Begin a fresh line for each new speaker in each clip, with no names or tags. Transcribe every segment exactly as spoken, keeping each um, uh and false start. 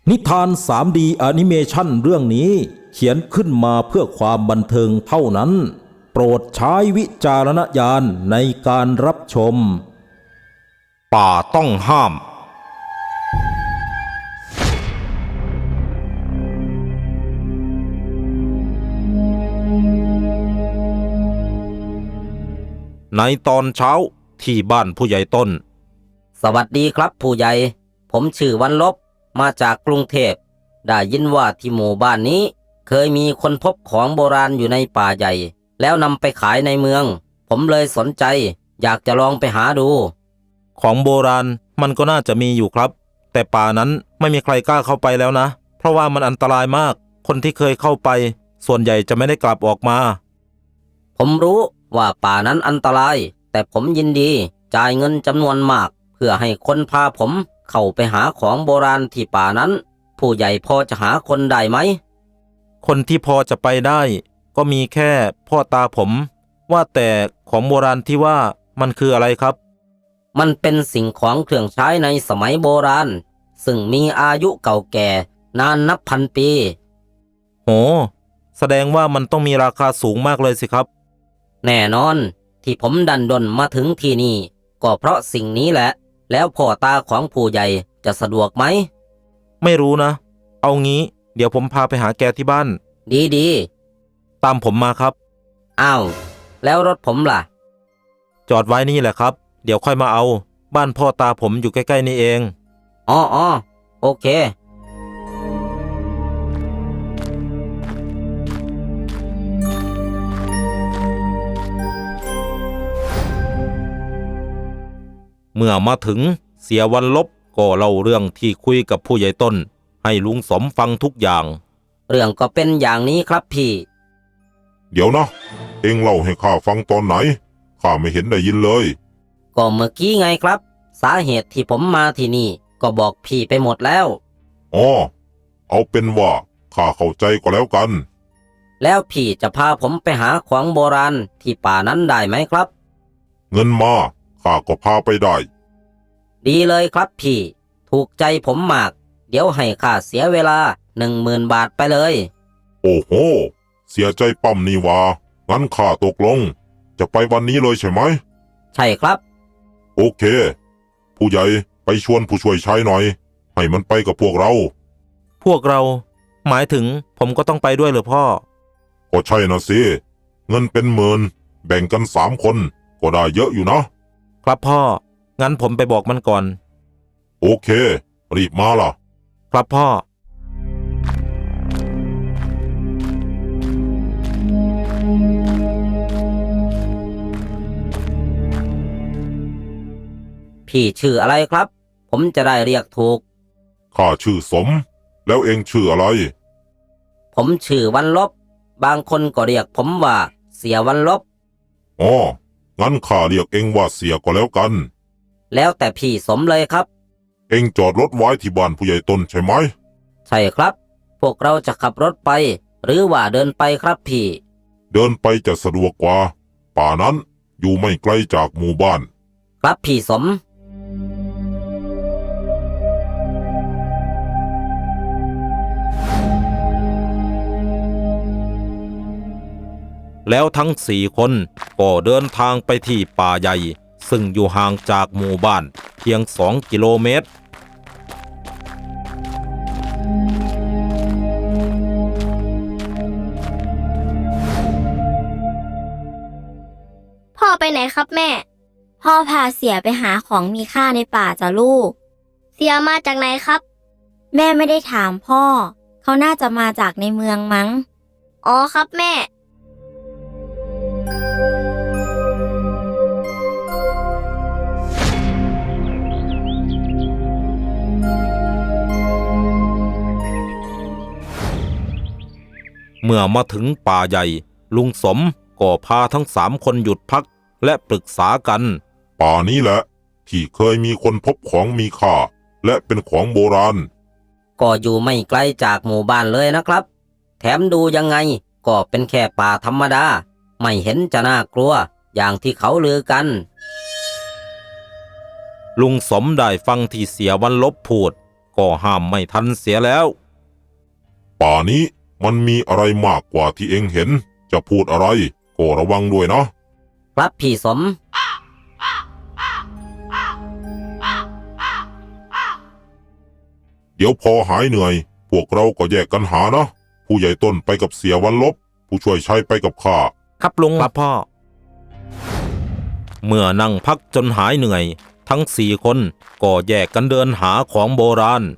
นิทาน ทรี ดี แอนิเมชันเรื่องนี้เขียนขึ้นมาเพื่อความบันเทิงเท่านั้นโปรดใช้วิจารณญาณในการรับชมป่าต้องห้ามในตอนเช้าที่บ้านผู้ใหญ่ต้น
สวัสดีครับผู้ใหญ่ผมชื่อวันลบมาจากกรุงเทพได้ยินว่าที่หมู่บ้านนี้เคยมีคนพบของโบราณอยู่ในป่าใหญ่แล้วนำไปขายในเมืองผมเลยสนใจอยากจะลองไปหาดู
ของโบราณมันก็น่าจะมีอยู่ครับแต่ป่านั้นไม่มีใครกล้าเข้าไปแล้วนะเพราะว่ามันอันตรายมากคนที่เคยเข้าไปส่วนใหญ่จะไม่ได้กลับออกมา
ผมรู้ว่าป่านั้นอันตรายแต่ผมยินดีจ่ายเงินจำนวนมากเพื่อให้คนพาผมเข้าไปหาของโบราณที่ป่านั้นผู้ใหญ่พอจะหาคนได้ไหม
คนที่พอจะไปได้ก็มีแค่พ่อตาผมว่าแต่ของโบราณที่ว่ามันคืออะไรครับ
มันเป็นสิ่งของเครื่องใช้ในสมัยโบราณซึ่งมีอายุเก่าแก่นานนับพันปี
โหแสดงว่ามันต้องมีราคาสูงมากเลยสิครับ
แน่นอนที่ผมดันดนมาถึงที่นี่ก็เพราะสิ่งนี้แหละแล้วพ่อตาของผู้ใหญ่จะสะดวกไหม
ไม่รู้นะเอางี้เดี๋ยวผมพาไปหาแกที่บ้าน
ดี
ๆตามผมมาครับ
อ้าวแล้วรถผมล่ะ
จอดไว้นี่แหละครับเดี๋ยวค่อยมาเอาบ้านพ่อตาผมอยู่ใกล้ๆนี่เอง
อ๋ออ๋อโอเค
เมื่อมาถึงเสียวันลบก็เล่าเรื่องที่คุยกับผู้ใหญ่ต้นให้ลุงสมฟังทุกอย่าง
เรื่องก็เป็นอย่างนี้ครับพี่
เดี๋ยวนะเอ็งเล่าให้ข้าฟังตอนไหนข้าไม่เห็นได้ยินเลย
ก็เมื่อกี้ไงครับสาเหตุที่ผมมาที่นี่ก็บอกพี่ไปหมดแล้ว
อ๋อเอาเป็นว่าข้าเข้าใจก็แล้วกัน
แล้วพี่จะพาผมไปหาของโบราณที่ป่านั้นได้ไหมครับ
เงินมาข้าก็พาไปได้
ดีเลยครับพี่ถูกใจผมมากเดี๋ยวให้ข้าเสียเวลาหนึ่งหมื่นบาทไปเลย
โอ้โหเสียใจปั๊มนี่วะงั้นข้าตกลงจะไปวันนี้เลยใช่ไหม
ใช่ครับ
โอเคผู้ใหญ่ไปชวนผู้ช่วยชายหน่อยให้มันไปกับพวกเรา
พวกเราหมายถึงผมก็ต้องไปด้วยเหรอพ่อ
ก็ใช่นะสิเงินเป็นหมื่นแบ่งกันสามคนก็ได้เยอะอยู่นะครับ
พ่องั้นผมไปบอกมันก่อน
โอเครีบมาล่ะ
ครับพ่อ
พี่ชื่ออะไรครับผมจะได้เรียกถูก
ข้าชื่อสมแล้วเองชื่ออะไร
ผมชื่อวันลบบางคนก็เรียกผมว่าเสียวันลบ
อ๋องั้นข้าเรียกเองว่าเสียก็แล้วกัน
แล้วแต่พี่สมเลยครับ
เองจอดรถไว้ที่บ้านผู้ใหญ่ต้นใช่ไหม
ใช่ครับพวกเราจะขับรถไปหรือว่าเดินไปครับพี่
เดินไปจะสะดวกกว่าป่านั้นอยู่ไม่ไกลจากหมู่บ้าน
ครับพี่สม
แล้วทั้งสี่คนก็เดินทางไปที่ป่าใหญ่ซึ่งอยู่ห่างจากหมู่บ้านเพียงสองกิโลเมตร
พ่อไปไหนครับแม่พ่อพาเสียไปหาของมีค่าในป่าจ้ะลูกเสียมาจากไหนครับแม่ไม่ได้ถามพ่อเขาน่าจะมาจากในเมืองมั้งอ๋อครับแม่
เมื่อมาถึงป่าใหญ่ลุงสมก็พาทั้งสามคนหยุดพักและปรึกษากัน
ป่านี้แหละที่เคยมีคนพบของมีค่าและเป็นของโบราณ
ก็อยู่ไม่ไกลจากหมู่บ้านเลยนะครับแถมดูยังไงก็เป็นแค่ป่าธรรมดาไม่เห็นจะน่ากลัวอย่างที่เขาลือกัน
ลุงสมได้ฟังที่เสียวันลบพูดก็ห้ามไม่ทันเสียแล้ว
ป่านี้มันมีอะไรมากกว่าที่เองเห็น จะพูดอะไรก็ระวังด้วยนะครับ
พี่สม
เดี๋ยวพอหายเหนื่อย พวกเราก็แยกกันหานะ ผู้ใหญ่ต้นไปกับเสียวันลบ ผู้ช่วยชัยไปกับข้า
ครับลุงครับพ่อ เมื่อนั่งพักจนหายเหนื่อย ทั้งสี่คนก็แยกกันเดินหาของโบราณ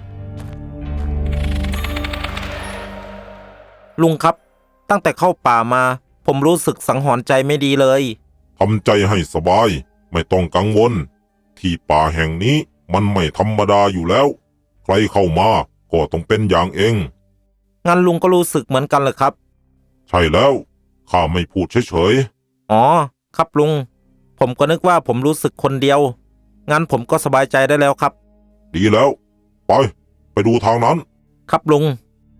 ลุงครับ ตั้งแต่เข้าป่ามา ผมรู้สึกสังหรณ์ใจไม่ดีเลย
ทำใจให้สบาย ไม่ต้องกังวล ที่ป่าแห่งนี้มันไม่ธรรมดาอยู่แล้ว ใครเข้ามาก็ต้องเป็นอย่างเอง
งั้นลุงก็รู้สึกเหมือนกันเลยครับ
ใช่แล้ว ข้าไม่พูดเฉย
อ๋อ ครับลุง ผมก็นึกว่าผมรู้สึกคนเดียว งั้นผมก็สบายใจได้แล้วครับ
ๆ ดีแล้ว ไป ไปดูทางนั้น
ครับลุง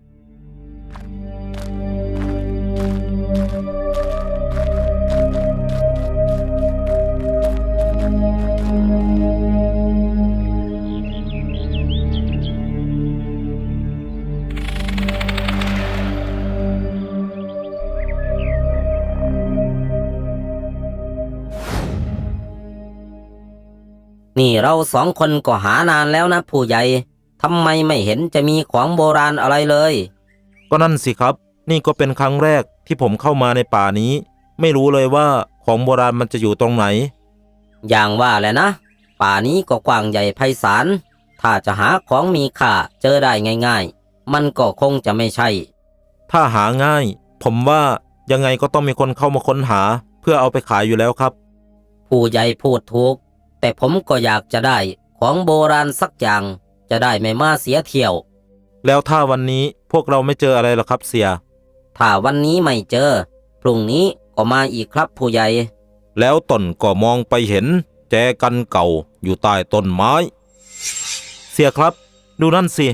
นี่เราสองคนก็หานานแล้วนะผู้ใหญ่ทำไมไม่เห็นจะมีของโบราณอะไรเลย
ก็นั่นสิครับ นี่ก็เป็นครั้งแรกที่ผมเข้ามาในป่านี้ ไม่รู้เลยว่าของโบราณมันจะอยู่ตรงไหน
อย่างว่าแหละนะ ป่านี้ก็กว้างใหญ่ไพศาล ถ้าจะหาของมีค่าเจอได้ง่ายๆ มันก็คงจะไม่ใช่
ถ้าหาง่าย ผมว่ายังไงก็ต้องมีคนเข้ามาค้นหา เพื่อเอาไปขายอยู่แล้วครับ
ผู้ใหญ่พูดถูก แต่ผมก็อยากจะได้ของโบราณสักอย่าง จะได้ไม่มาเสียเที่ยว
แล้วถ้าวันนี้พวกเราไม่เจออะไรหรอครับเสีย
ถ้าวันนี้ไม่เจอ พรุ่งนี้ก็มาอีกครับผู้ใหญ่
แล้วต้นก็มองไปเห็น แจกันเก่าอยู่ใต้ต้นไม้ เสียครับ ดูนั่นสิ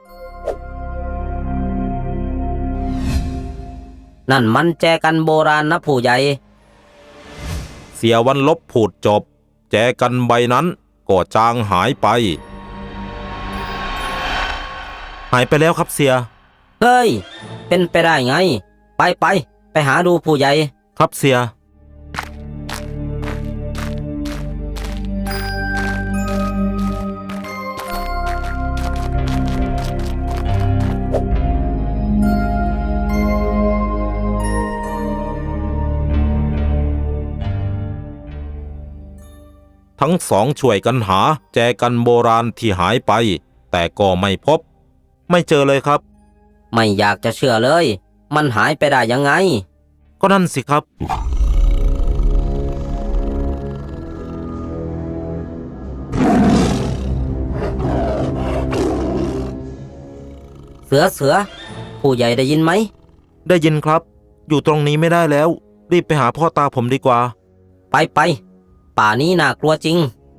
นั่นมันแจกันโบราณนะผู้ใหญ่
เสียวันลบพูดจบ แจกันใบนั้นก็จางหายไป หายไปแล้วครับเสีย
เฮ้ย เป็นไปได้ไง ไปไปไปหาดูผู้ใหญ่
ครับเสีย ทั้งสองช่วยกันหาแจกันโบราณที่หายไป แต่ก็ไม่พบ ไม่เจอเลยครับ
ไม่อยากจะเชื่อเลย มันหายไปได้ยังไง
ก็นั่นสิครับ
เสือเสือ ผู้ใหญ่ได้ยินไหม
ได้ยินครับ อยู่ตรงนี้ไม่ได้แล้ว รีบไปหาพ่อตาผมดีกว่า
ไปไปป่านี้น่ากลัวจริง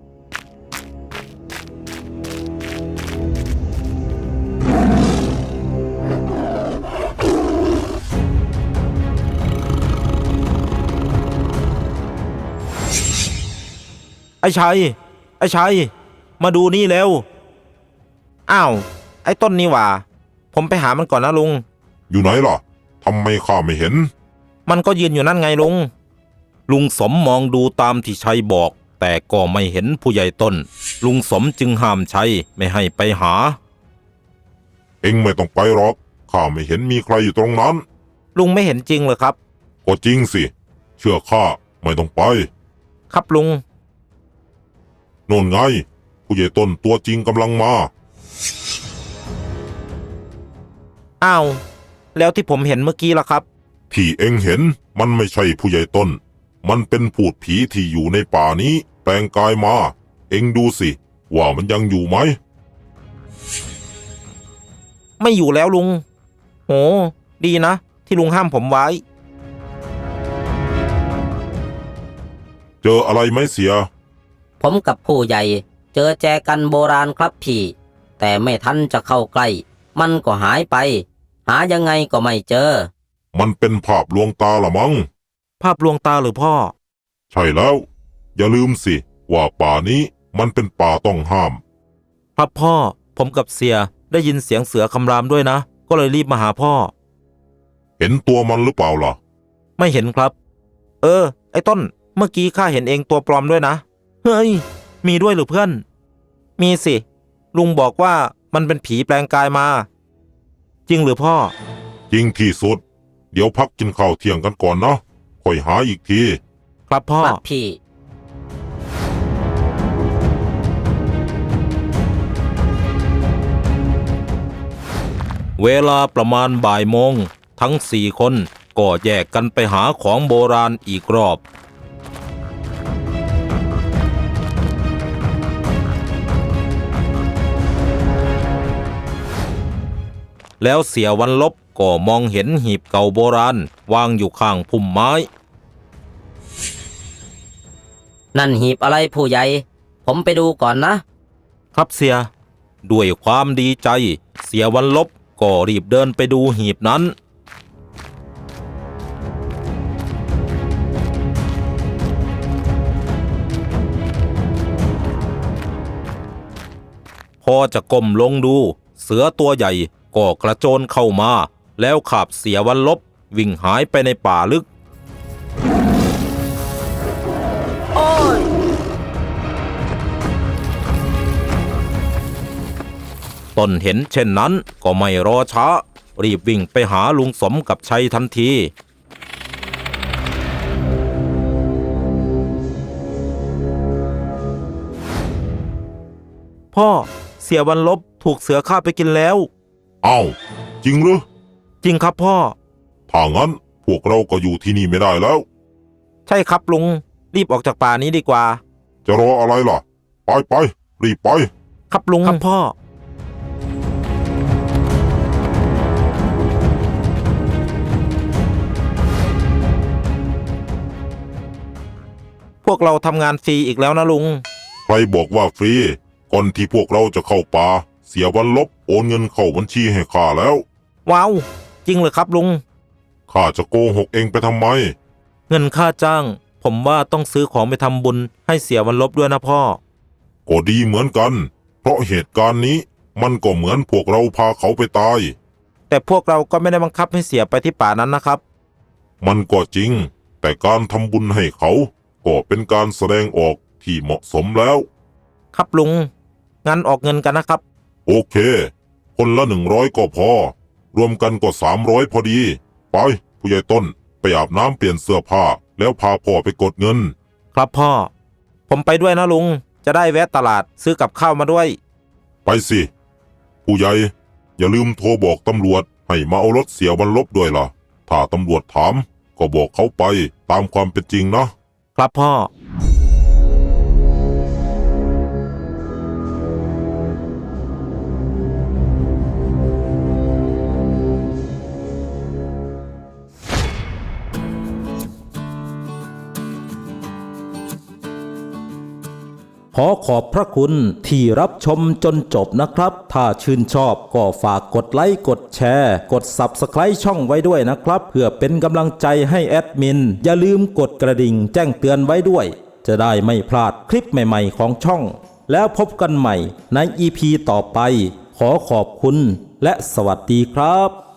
ไอ้ชัย ไอ้ชัย มาดูนี่เร็ว อ้าว ไอ้ต้นนี่หว่า ผมไปหามันก่อนนะลุง
อยู่ไหนล่ะ ทำไมข้าไม่เห็น
มันก็ยืนอยู่นั่นไงลุง ลุงสมมองดูตามที่ชัยบอก แต่ก็ไม่เห็นผู้ใหญ่ต้น ลุงสมจึงห้ามชัยไม่ให้ไปหา
เอ็งไม่ต้องไปหรอก ข้าไม่เห็นมีใครอยู่ตรงนั้น
ลุงไม่เห็นจริงเลยครับ
ก็จริงสิ เชื่อข้าไม่ต้องไป
ครับลุง
โน่นไง ผู้ใหญ่ต้นตัวจริงกำลังมา
อ้าว แล้วที่ผมเห็นเมื่อกี้ล่ะครับ
ที่เอ็งเห็นมันไม่ใช่ผู้ใหญ่ต้น มันเป็นพูดผีที่อยู่ในป่านี้แปลงกายมา เอ็งดูสิ ว่ามันยังอยู่ไหม
ไม่อยู่แล้วลุง โห ดีนะ ที่ลุงห้ามผมไว้
เจออะไรไหมเสีย
ผมกับผู้ใหญ่เจอแจกันโบราณครับพี่ แต่ไม่ทันจะเข้าใกล้ มันก็หายไป หายังไงก็ไม่เจอ
มันเป็นภาพลวงตาละมั้ง
ภาพลวงตาหรือพ่อ
ใช่แล้ว อย่าลืมสิ ว่าป่านี้มันเป็นป่าต้องห้าม
ครับพ่อ ผผมกับเสียได้ยินเสียงเสือคำรามด้วยนะก็เลยรีบมาหาพ่อ
เห็นตัวมันหรือเปล่าล่ะ
ไม่เห็นครับ เออไอ้ต้นเมื่อกี้ข้าเห็นเองตัวปลอมด้วยนะเฮ้ยมีด้วยหรือเพื่อนมีสิลุงบอกว่ามันเป็นผีแปลงกายมาจริงหรือพ่อ
จริงที่สุดเดี๋ยวพักกินข้าวเที่ยงกันก่อนนะค่อยหาอีกที
ครับพ่อ
ครับพี่
เวลาประมาณบ่ายโมงทั้งสี่คนก็แยกกันไปหาของโบราณอีกรอบแล้วเสียวันลบก็มองเห็นหีบเก่าโบราณวางอยู่ข้างพุ่มไม้
นั่นหีบอะไรผู้ใหญ่ผมไปดูก่อนนะครับ
เสียด้วยความดีใจเสียวันลบก็รีบเดินไปดูหีบนั้นพอจะก้มลงดูเสือตัวใหญ่ก็กระโจนเข้ามาแล้วขับเสียวันลบวิ่งหายไปในป่าลึก
โอ้ย
ต้นเห็นเช่นนั้นก็ไม่รอช้ารีบวิ่งไปหาลุงสมกับชัยทันทีพ่อเสียวันลบถูกเสือฆ่าไปกินแล้ว
อ้าวจริงหรือ
จริงครับพ่อ
ถ้างั้นพวกเราก็อยู่ที่นี่ไม่ได้แล้ว
ใช่ครับลุงรีบออกจากป่านี้ดีกว่า
จะรออะไรล่ะไปไปรีบไป
ครับลุงครับพ่อพวกเราทำงานฟรีอีกแล้วนะลุง
ใครบอกว่าฟรีก่อนที่พวกเราจะเข้าป่าเสียวันลบโอนเงินเข้าบัญชีให้ข้าแล้ว
ว้าวจริงเหรอครับลุง
ข้าจะโกหกเองไปทำไม
เงินค่าจ้างผมว่าต้องซื้อของไปทำบุญให้เสียวันลบด้วยนะพ่อ
ก็ดีเหมือนกันเพราะเหตุการณ์นี้มันก็เหมือนพวกเราพาเขาไปตาย
แต่พวกเราก็ไม่ได้บังคับให้เสียไปที่ป่านั้นนะครับ
มันก็จริงแต่การทำบุญให้เขาก็เป็นการแสดงออกที่เหมาะสมแล้ว
ครับลุงงั้นออกเงินกันนะครับ
โอเคคนละหนึ่งร้อยก็พอรวมกันก็สามร้อยพอดีไปผู้ใหญ่ต้นไปอาบน้ำเปลี่ยนเสื้อผ้าแล้วพาพ่อไปกดเงิน
ครับพ่อผมไปด้วยนะลุงจะได้แวะตลาดซื้อกับข้าวมาด้วย
ไปสิผู้ใหญ่อย่าลืมโทรบอกตำรวจให้มาเอารถเสียวันลบด้วยล่ะถ้าตำรวจถามก็บอกเขาไปตามความเป็นจริงนะครับ
พ่อ ขอขอบพระคุณที่รับชมจนจบนะครับถ้าชื่นชอบก็ฝากกดไลค์กดแชร์กด ซับสไครบ์ ช่องไว้ด้วยนะครับเพื่อเป็นกำลังใจให้แอดมินอย่าลืมกดกระดิ่งแจ้งเตือนไว้ด้วยจะได้ไม่พลาดคลิปใหม่ๆของช่องแล้วพบกันใหม่ใน อี พี ต่อไปขอขอบคุณและสวัสดีครับ